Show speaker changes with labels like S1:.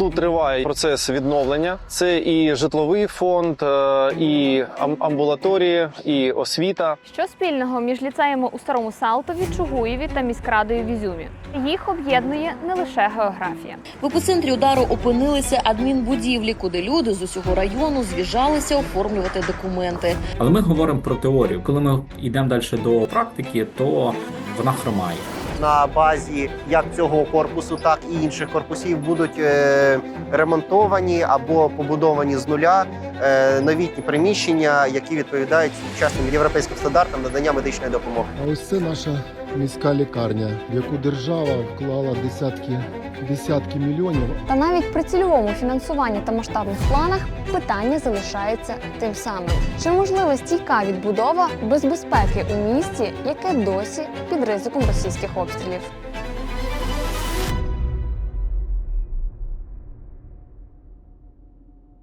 S1: Тут триває процес відновлення. Це і житловий фонд, і амбулаторії, і освіта.
S2: Що спільного між ліцеями у Старому Салтові, Чугуєві та міськрадою в Ізюмі? Їх об'єднує не лише географія.
S3: В епіцентрі удару опинилися адмінбудівлі, куди люди з усього району з'їжджалися оформлювати документи.
S4: Але ми говоримо про теорію. Коли ми йдемо далі до практики, то вона хромає.
S5: На базі як цього корпусу, так і інших корпусів будуть ремонтовані або побудовані з нуля новітні приміщення, які відповідають сучасним європейським стандартам надання медичної допомоги.
S6: А ось це наша міська лікарня, в яку держава вклала десятки мільйонів.
S2: Та навіть при цільовому фінансуванні та масштабних планах питання залишається тим самим. Чи можлива стійка відбудова без безпеки у місті, яке досі під ризиком російських обстрілів?